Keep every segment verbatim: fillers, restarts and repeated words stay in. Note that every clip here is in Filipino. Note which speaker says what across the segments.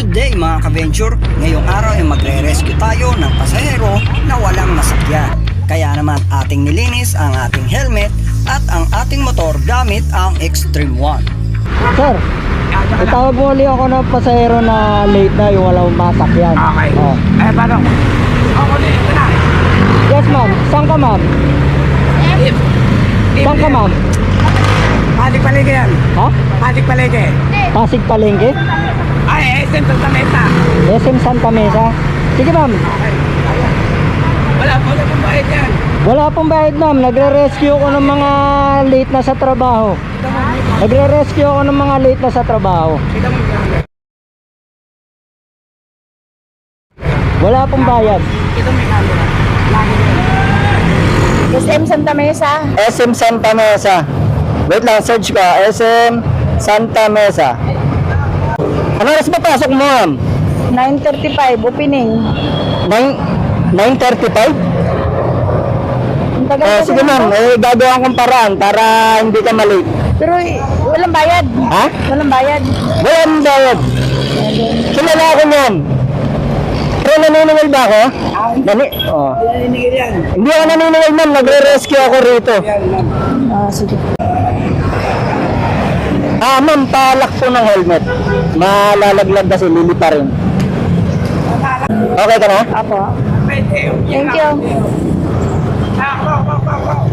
Speaker 1: Good day mga ka-venture! Ngayong araw ay magre-rescue tayo ng pasahero na walang masakyan. Kaya naman ating nilinis ang ating helmet at ang ating motor gamit ang Extreme One.
Speaker 2: Sir, itawag mo ulit ako ng pasahero na late na yung walang masakyan.
Speaker 3: Okay.
Speaker 2: Oh.
Speaker 3: Eh, paano? Ako din, ito na.
Speaker 2: Yes ma'am, saan ka ma'am?
Speaker 3: If, if,
Speaker 2: Saan ka ma'am?
Speaker 3: Pasig Palengke yan.
Speaker 2: Ha?
Speaker 3: Pasig Palengke.
Speaker 2: Pasig Palengke?
Speaker 3: Ay, S M Santa Mesa.
Speaker 2: S M Santa Mesa? Sige ma'am.
Speaker 3: Wala po na pong bayad yan.
Speaker 2: Wala pong bayad ma'am, nagre-rescue ko ng mga late na sa trabaho. Nagre-rescue ako ng mga late na sa trabaho.
Speaker 3: Kita mo yung
Speaker 2: Wala pong bayad.
Speaker 3: Kita mo yung camera.
Speaker 4: S M Santa Mesa.
Speaker 2: S M Santa Mesa. Wait lang, search ka. S M Santa Mesa. Ano oras ba pasok mo ma'am?
Speaker 4: nine thirty-five, opening.
Speaker 2: nine thirty-five?
Speaker 4: Ang tagal
Speaker 2: Eh,
Speaker 4: kasi
Speaker 2: sige ma'am,
Speaker 4: nito.
Speaker 2: eh, gagawin kong paraan para hindi ka malate.
Speaker 4: Pero eh, walang bayad.
Speaker 2: Ha?
Speaker 4: Walang bayad.
Speaker 2: Walang bayad. Kilala ako ma'am. Pero naniningil ba ako? Nani? Oh.
Speaker 3: Naninigil yan.
Speaker 2: Hindi ako naniningil ma'am, nagre-rescue ako rito.
Speaker 3: Yan, ma'am.
Speaker 4: Ah, sige.
Speaker 2: Ah ma'am, palak po ng helmet. Malalaglag kasi lili pa rin. Okay ka na?
Speaker 4: Apo.
Speaker 3: Pwede.
Speaker 4: Thank you.
Speaker 3: Ah, wow, wow, wow, wow.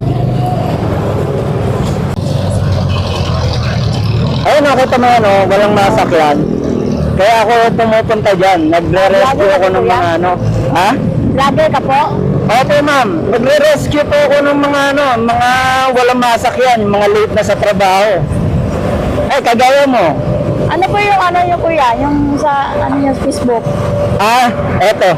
Speaker 2: Ayun, nakita mo yan, oh, walang masakyan. Kaya ako pumupunta dyan. Nagre-rescue ako ng mga ano. Ha?
Speaker 4: Vlogger ka po?
Speaker 2: Opo ma'am, nagre-rescue po ako ng mga ano, mga walang masakyan, yung mga late na sa trabaho. Eh, kagaya mo.
Speaker 4: Ano po yung ano yung kuya? Yung sa ano yung Facebook?
Speaker 2: Ah, eto.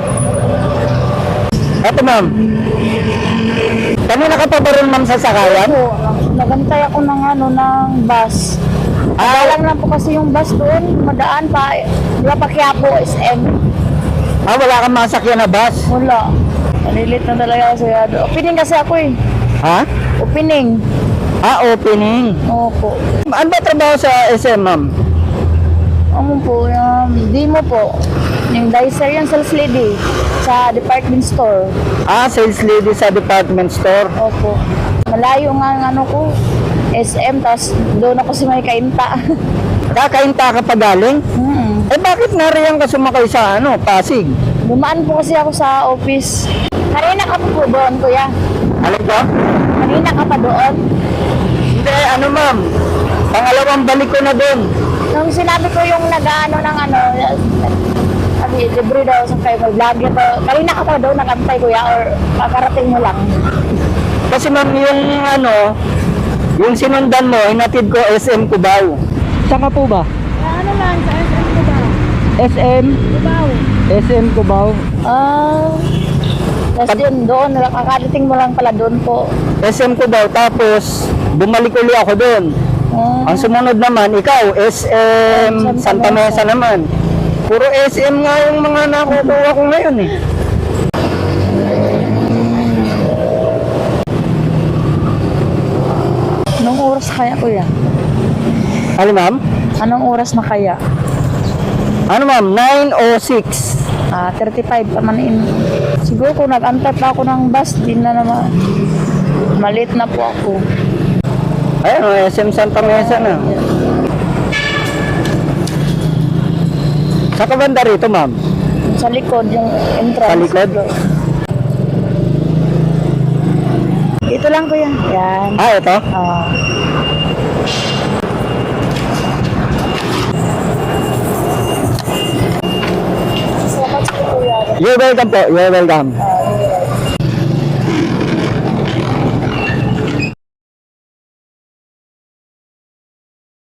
Speaker 2: Eto ma'am. Kanina ka pa ba rin ma'am sa sakayan?
Speaker 4: Po, nagantay ako ng ano ng bus.
Speaker 2: Ah,
Speaker 4: Alam lang po kasi yung bus doon, madaan pa. Di ba pa Quiapo, S M?
Speaker 2: ah, wala kang masakyan na bus?
Speaker 4: Wala. Nalilit na talaga kasi. ano, Opening kasi ako eh.
Speaker 2: Ha?
Speaker 4: Opening.
Speaker 2: Ah, opening.
Speaker 4: Opo.
Speaker 2: Ano ba trabaho sa S M ma'am?
Speaker 4: Ano po, yung demo po. Yung dicer yung sales lady sa department store.
Speaker 2: Ah, sales lady sa department store.
Speaker 4: Opo. Malayo nga ang ano ko, S M, tapos doon ako si may kainta.
Speaker 2: Kakainta ka pa galing?
Speaker 4: hmm.
Speaker 2: Eh bakit nariyan ka sumakay sa ano, Pasig?
Speaker 4: Dumaan po kasi ako sa office. Kanina ka pa po doon, kuya.
Speaker 2: Alam ko?
Speaker 4: Kanina ka pa doon.
Speaker 2: Hindi, ano ma'am. Pangalawang balik ko na doon.
Speaker 4: Nung sinabi ko yung nag-ano ng ano, sabi, libre daw sa kayo, may vlogger pa. Kanina ka pa doon, nakantay kuya, or kakarating mo lang.
Speaker 2: Kasi ma'am, yung ano, yung sinundan mo, hinatid ko S M Cubao. Saan ka po ba?
Speaker 4: Ano lang, sa S M ko ba?
Speaker 2: S M?
Speaker 4: Dibaw.
Speaker 2: S M Cubao.
Speaker 4: Ah, tapos yun, doon, kakarating mo lang pala doon po.
Speaker 2: S M Cubao, tapos bumalik uli ako doon.
Speaker 4: Ah,
Speaker 2: Ang sumunod naman, ikaw, S M Santa Mesa naman. Puro S M nga yung mga nakukuha ko ngayon eh.
Speaker 4: anong oras kaya kuya?
Speaker 2: Ano ma'am?
Speaker 4: Anong oras na kaya?
Speaker 2: Ano ma'am? nine oh six.
Speaker 4: Ah, thirty-five pa man in. Siguro kung nag-antay pa ako ng bus, di na naman. Malit na po ako.
Speaker 2: Ayun, oh, S M Santa Mesa na. Sa kabanda rito ma'am?
Speaker 4: Sa likod, yung entrance.
Speaker 2: Sa likod?
Speaker 4: Dito lang kuya. Yan.
Speaker 2: Ah, ito?
Speaker 4: Ah. Salamat po kuya.
Speaker 2: You're welcome po, you're welcome.
Speaker 4: Ah,